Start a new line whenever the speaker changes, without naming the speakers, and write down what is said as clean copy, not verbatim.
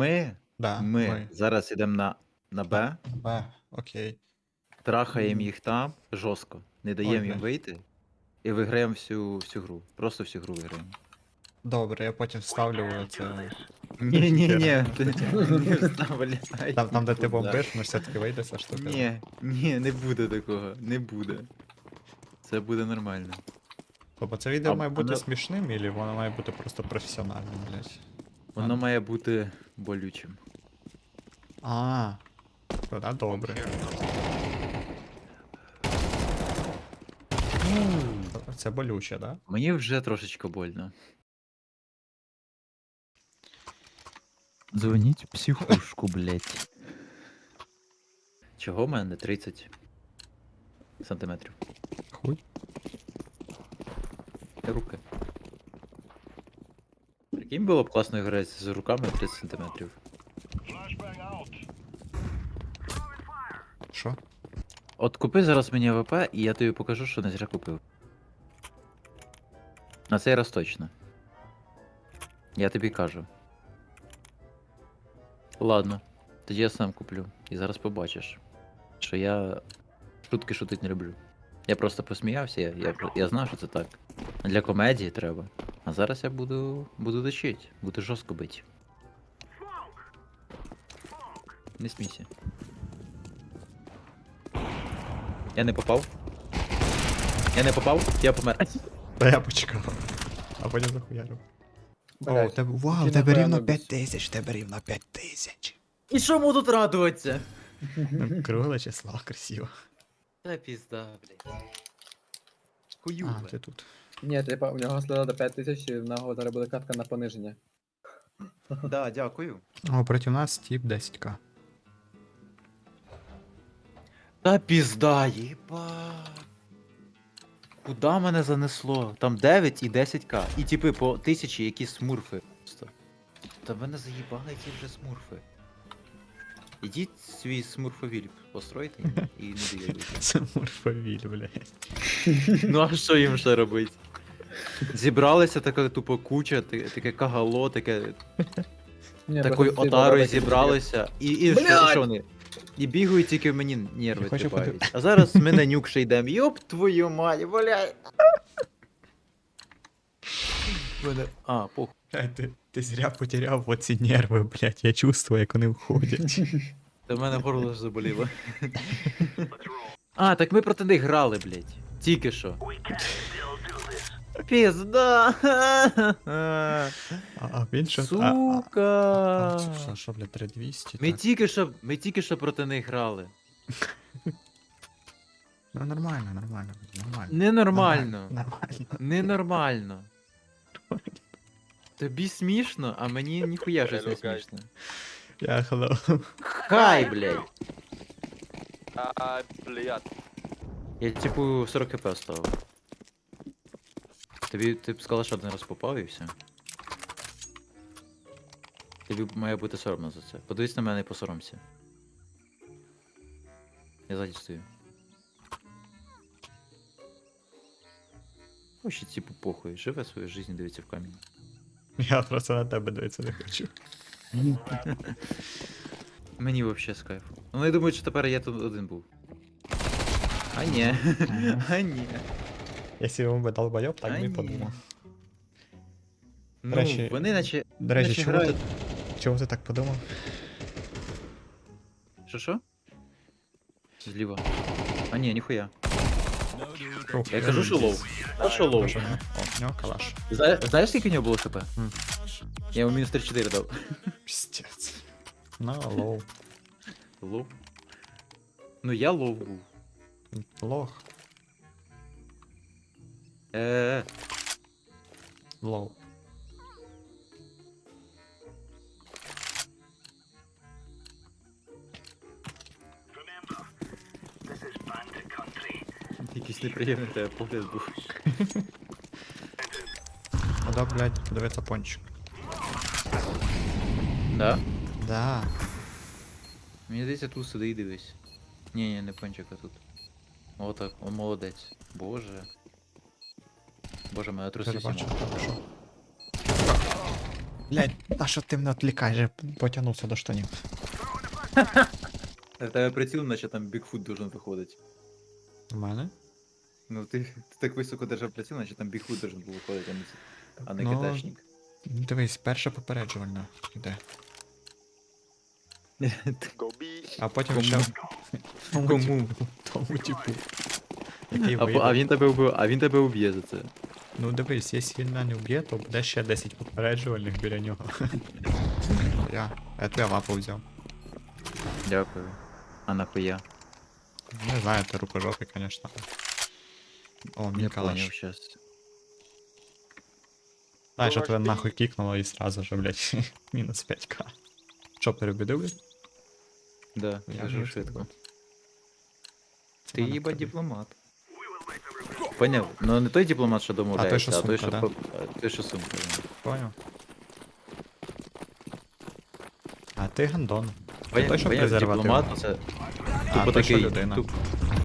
ми,
Да,
ми зараз йдемо на Б,
Б, окей.
трахаємо їх там жорстко, не
Ой,
даємо їм
блядь.
вийти і виграємо всю гру. Просто всю гру виграємо.
Добре, я потім вставлю це.
Ні, ти не вставляй.
Там, де ти
нікуди.
бомбиш, ми все-таки вийде ця штука.
Ні, не буде такого, не буде. Це буде нормально.
Тобто це відео
А-
має бути
воно-
смішним, або воно має бути просто професіональним, блядь?
Воно має бути болючим.
А, тоді добре. Це болюче, да?
Мені вже трошечки больно. Дзвоніть в психушку, блять. Чого в мене 30 сантиметрів?
Хуй.
Руки. Прикинь, було б класно грати з руками 30 сантиметрів.
Що?
От купи зараз мені АВП, і я тобі покажу, що не зря купив. На цей раз точно. Я тобі кажу. Ладно, тоді я сам куплю. І зараз побачиш, що я шутки шутить не люблю. Я просто посміявся, я знав, що це так. Для комедії треба. А зараз я буду дочить, буду жорстко бити. Не смійся. Я не попав. Я помер.
Та я почекав. А потім захуярив. О,
Блядь,
у тебе, вау,
ти,
у тебе
напевно,
рівно
без-
5000, у тебе рівно 5000.
І чому тут радуватися?
Ну, кругле число, красиво.
Та пізда, блядь.
А,
Хуюве.
ти тут.
Ні, типа, у нього слила до 5000, і в нього зараз буде катка на пониження.
Да, дякую.
О, проти нас тип 10к.
Та пізда, їба. Куда мене занесло? Там 9 і 10к. І типи по 1000 якісь смурфи. Просто. Та мене заїбали ті вже смурфи. Ідіть свій смурфовіль постройте і не доїдуйте.
Це морфовіль, блядь.
Ну а що їм ще робити? Зібралися така тупо куча, таке кагало, таке
Ні,
такою
просто ці
отарою
бабаки
зібралися. І що вони? І бігають тільки мені нерви
Я хочу
тріпають. А зараз ми на нюк ще йдемо. Йоп твою мать, блядь. А, похуй.
Ти зря потеряв оці нерви, блядь. Я чувствую, як вони входять.
Та в мене горло ж заболіло. А, так ми проти них грали, блядь. Тільки що. Пізда.
А він що?
Сука.
Що, блядь, 3200?
Ми тільки що проти них грали.
Ну нормально, нормально.
Ненормально.
Нормально.
Ненормально. Тобі смішно, а мені ніхуя щось не смішно.
Я hello.
Хай, блядь.
Блядь.
Я типу 40 хп оставив. Ти б сказала, що один раз попав і все. Тобі має бути соромно за це. Подивись на мене і посоромся. Я ззаді стою. Ось типу похуй. Живе свою життя, дивиться в камінь.
Я просто на тебе дивитися не хочу.
Мені вообще з кайфу. Ну, вони думають, що тепер я тут один був. А ні. А ні.
Якщо він би долбойоб, так
А
би і
ні.
подумав.
Ну,
речі-
вони наче.
До речі,
наче
чому ти,
грають.
чому ти так подумав?
Що? Зліва. А ні, ніхуя.
Ух,
Я кажу, що лоу. А що лоу?
Кажу, ну, о, у нього калаш.
Знаєш, скільки у нього було хп? Я йому мінус 34 дав.
Пістець. Ну, лоу.
Лоу. Ну я лоу був.
Лох.
Е.
Лоу.
Якийсь неприємний тебе погляд був.
Куда, блядь, подивиться пончик.
Да?
Да.
Мені здається, тут сиди і дивись. Ні, не пончик, а тут. О так, он молодець. Боже. Боже, мене труси
Перебачив,
сімо.
так що. Блядь, а що ти мене відлікаєш? Я потягнувся до штанів.
В тебе приціл, наче там Бігфут должен виходити.
У мене?
Ну ти так високо держав приціл, наче там Бігфут должен був виходити, а не
Ну,
кидашник.
Дивись, перше попереджувальне йде. А потім
Кому?
ще...
Кому?
Тому типу. Який
А
вийде.
він тебе уб'є за це.
Ну дивись, якщо він мене вб'є, то буде ще 10 попереджувальних біля нього. Я твоя мапу взяв.
Дякую. А нахуя?
Не знаю, ти рукожопий, звісно. О, мій
Не
калаш.
поняв щас.
Знаєш, що тебе нахуй кікнуло і сразу же, блядь, мінус 5к. Що, перебідив, блядь?
Да,
Я
дуже
вже
швидко.
Це
Ти
мене
їба
тобі.
дипломат. Поняв? Ну не той дипломат, що домовляється,
що
а той,
сумка,
що
да?
а той, що сумка. Да.
Поняв. А ти гандон.
Поняв,
той, що
поняв,
презерватив.
дипломат, це
А,
тупо
той, що
такий,
людина.